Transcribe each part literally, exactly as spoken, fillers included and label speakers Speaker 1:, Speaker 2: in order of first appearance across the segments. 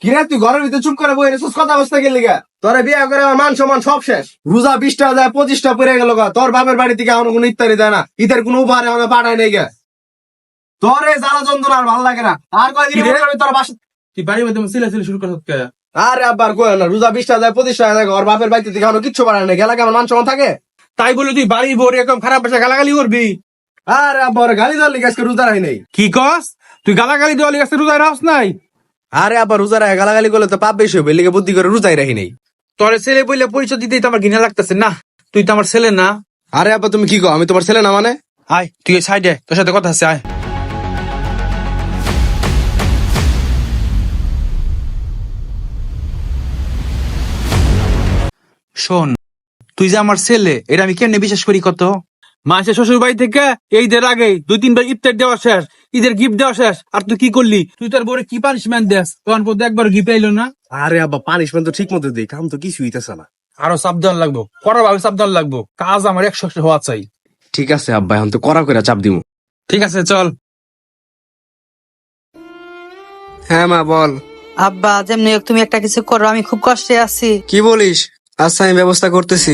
Speaker 1: কিরে তুই ঘরের ভিতরে চুপ করে বই রেছিস, কথা বসতে গেলি গা? তোরে বিয়ে করে আমার মান সম্মান সব শেষ। রোজা বিশটা যায় পঁচিশটা পড়ে গেল গা। তোর বাপের বাড়ি থেকে আমার কোনো ইত্যাদি দেয় না, ঈদের কোনো উপহার আমাদের পাঠায় নেই গা। তোর এই জ্বালা যন্ত্রণা আর ভালো লাগে না। আর কয়দিন তোর বাসা
Speaker 2: তুই বাড়ির মধ্যে সিলা সিলি শুরু করছ কে?
Speaker 1: আরে আব্বার কয় না, রোজা বিশটা যায় পঁচিশটা যায় ওর বাপের বাড়িতে থেকে আমার কিচ্ছু পাঠায় নেই, গেলা কেমন মান সম্মান থাকে?
Speaker 2: তাই বলে তুই বাড়ি ভরে এরকম খারাপ ভাষা গালাগালি করবি?
Speaker 1: আরে আব্বা ওরে গালি দেওয়ার লিগে আজকে রোজা রাখি নাই।
Speaker 2: কি কস? তুই গালাগালি দেওয়ালি কাছে রোজা রাখস নাই?
Speaker 1: আরে আব্বা রোজা রাখে গালাগালি করলে তো পাপ বেশি হবে, লিগে বুদ্ধি করে রোজাই রাখি নাই।
Speaker 2: তোর ছেলে বইলে পরিচয় দিতেই তো আমার ঘৃণা লাগতেছে না। তুই তো আমার ছেলে না।
Speaker 1: আরে আব্বা তুমি কি কো, আমি তোমার ছেলে না মানে?
Speaker 2: আয় তুই সাইডে, তোর সাথে কথা আছে, আয়। শোন, তুই যে আমার ছেলে এটা আমি কেমনে বিশ্বাস করি কত? মাসে শ্বশুর বাড়ি থেকে ঈদের আগে দুই তিনবার ইফতার দেওয়া শেষ, ঈদের গিফট দেওয়া শেষ, আর তুই কি করলি? তুই তোর বউরে কি পানিশমেন্ট দেস? তখন পর্যন্ত একবার গিফট আইলো না।
Speaker 1: আরে আব্বা পানিশমেন্ট তো ঠিক মতো দিই, কাম তো কিছু হইতেছে না।
Speaker 2: আরো সাবধান লাগবো, কড়া ভাবে সাবধান লাগবো, কাজ আমার একশো একশো হওয়া চাই।
Speaker 1: ঠিক আছে আব্বা, এখন তো কড়া করে চাপ দিমু।
Speaker 2: ঠিক আছে চল।
Speaker 1: হ্যাঁ মা বল।
Speaker 3: আব্বা যেমনি হোক তুমি একটা কিছু করো, আমি খুব কষ্টে আছি।
Speaker 1: কি বলিস? আচ্ছা আমি ব্যবস্থা করতেছি।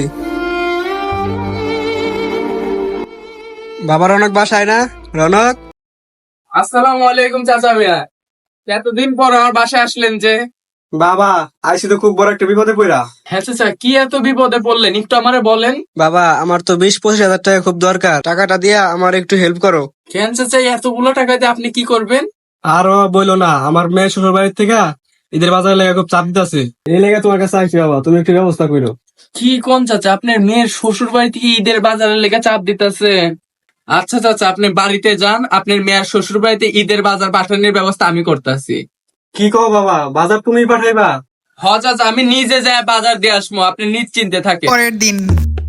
Speaker 1: বাবার রনক বাসায় না? রনক
Speaker 4: আসসালামু আলাইকুম চাচা মিয়া, এতদিন পর আমার বাসায় আসলেন যে?
Speaker 1: বাবা আইসি তো খুব বড় একটা বিপদে পড়া।
Speaker 4: হ্যাঁ চাচা, কি এত বিপদে পড়লেন একটু আমারে বলেন।
Speaker 1: বাবা আমার তো বিশ পঁচিশ হাজার টাকা খুব দরকার, টাকাটা দিয়া আমার একটু হেল্প করো।
Speaker 4: কেন চাচা এতগুলো টাকা দিয়ে আপনি কি করবেন?
Speaker 1: আরো বইলো না, আমার মেয়ে শ্বশুর বাড়ির থেকে ঈদের বাজারে লেগে খুব চাপ দিতেছে, এই লেগে তোমার কাছে আইছি বাবা, তুমি একটু ব্যবস্থা করো।
Speaker 4: কি কোন চাচা, আপনার মেয়ের শ্বশুর বাড়ি থেকে ঈদের বাজারের লেগে চাপ দিতেছে? আচ্ছা চাচা আপনি বাড়িতে যান, আপনার মেয়ের শ্বশুর বাড়িতে ঈদের বাজার পাঠানোর ব্যবস্থা আমি করতেছি।
Speaker 1: কি কো বাবা, বাজার তুমি পাঠাইবা?
Speaker 4: হ চাচা আমি নিজে যাই বাজার দিয়ে আসবো, আপনি নিশ্চিন্তে থাকেন।
Speaker 3: পরের দিন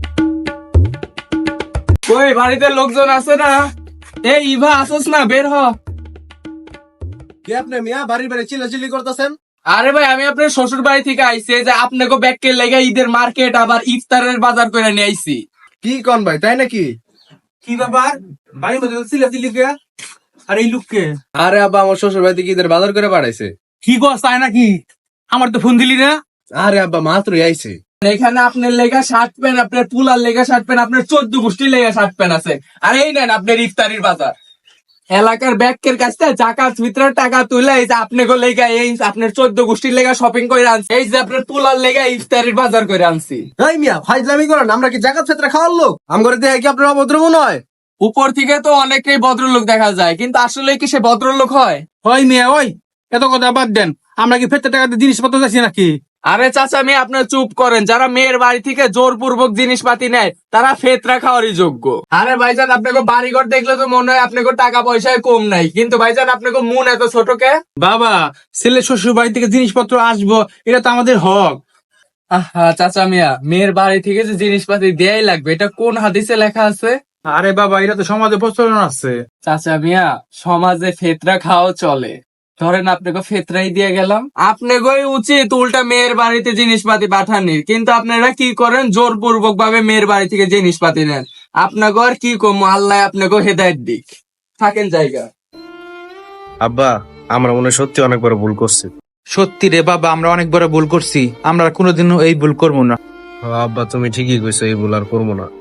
Speaker 4: ওই বাড়িতে লোকজন আছে না? এই ইভা আসোস না, বের হ।
Speaker 1: কি আপনি মিয়া বাড়ির বাড়ি চিল্লাচিল্লি করতেছেন?
Speaker 4: আরে ভাই আমি আপনার শ্বশুর বাড়ি থেকে আইছি, যে আপনাকে ব্যাগকে লেগে ঈদের মার্কেট আবার ইফতারের বাজার করে নিয়ে আইছি।
Speaker 1: কি কন ভাই, তাই নাকি?
Speaker 2: কি ব্যাপার? বাড়ির মধ্যে সিলা সিলি কে? আর এই লোককে?
Speaker 1: আরে আব্বা আমার শ্বশুর বাড়ি থেকে ঈদের বাজার করে পাঠাইছে।
Speaker 2: কি কস তাই নাকি? আমার তো ফোন দিলি না।
Speaker 1: আরে আব্বা মাত্রই আইছে।
Speaker 4: এখানে আপনার লেগা শার্ট প্যান্ট, আপনার পুলার লেগা শার্ট প্যান্ট, আপনার চোদ্দ গোষ্ঠীর লেগা শার্ট প্যান্ট আছে। আর এই নেন আপনার ইফতারির বাজার। এলাকার ব্যাগকের কাছ থেকে জাকাত ফিতরার টাকা তুলে এই যে আপনাকে লেগা এই আপনার চোদ্দ গোষ্ঠীর লেগা শপিং করে আনছি, এই যে আপনার পুলার লেগা ইফতারির বাজার করে আনছি।
Speaker 1: এই মিয়া ফাইজলামি করেন, আমরা কি জাকাত ফেতরা খাওয়ার লোক? আম করে দেখে কি আপনার অভদ্র মনে হয়?
Speaker 4: উপর থেকে তো অনেকেই ভদ্রলোক দেখা যায়, কিন্তু আসলে কি সে ভদ্রলোক হয়?
Speaker 2: ওই মেয়ে ওই, এত কথা বাদ দেন। আমরা কি ফেরতে টাকা দিয়ে জিনিসপত্র যাচ্ছি নাকি?
Speaker 4: আরে চাচা মেয়ে আপনার চুপ করেন, যারা মেয়ের বাড়ি থেকে জোরপূর্বক জিনিসপাতি নেয় তারা ফেতরা খাওয়ারই যোগ্য। আরে ভাইজান আপনাকে বাড়িঘর দেখলে তো মনে হয় আপনাকে টাকা পয়সায় কম নাই, কিন্তু ভাইজান আপনাকে মন এত ছোট কে?
Speaker 2: বাবা ছেলে শ্বশুর বাড়ি থেকে জিনিসপত্র আসবো, এটা তো আমাদের হক।
Speaker 4: আহা চাচা মিয়া, মেয়ের বাড়ি থেকে যে জিনিসপাতি দেয়াই লাগবে, এটা কোন হাদিসে লেখা আছে?
Speaker 2: আরে বাবা এটা তো সমাজে প্রচলন আছে।
Speaker 4: চাচা মিয়া সমাজে ফেতরা খাওয়া চলে, ধরেন আপনাকে ফেতরাই দিয়ে গেলাম, আপনাকে উচিত উল্টা মেয়ের বাড়িতে জিনিসপাতি পাঠানির, কিন্তু আপনারা কি করেন জোরপূর্বক ভাবে মেয়ের বাড়ি থেকে জিনিসপাতি নেন। আপনাকে আর কি কম, আল্লাহ আপনাকে হেদায়েত দিক, থাকেন জায়গা।
Speaker 5: আব্বা আমরা মনে হয় সত্যি অনেক বড় ভুল করছি।
Speaker 2: সত্যি রে বাবা, আমরা অনেক বড় ভুল করছি, আমরা কোনোদিনও এই ভুল করবো না।
Speaker 5: আব্বা তুমি ঠিকই কইছো, এই ভুল আর করবো না।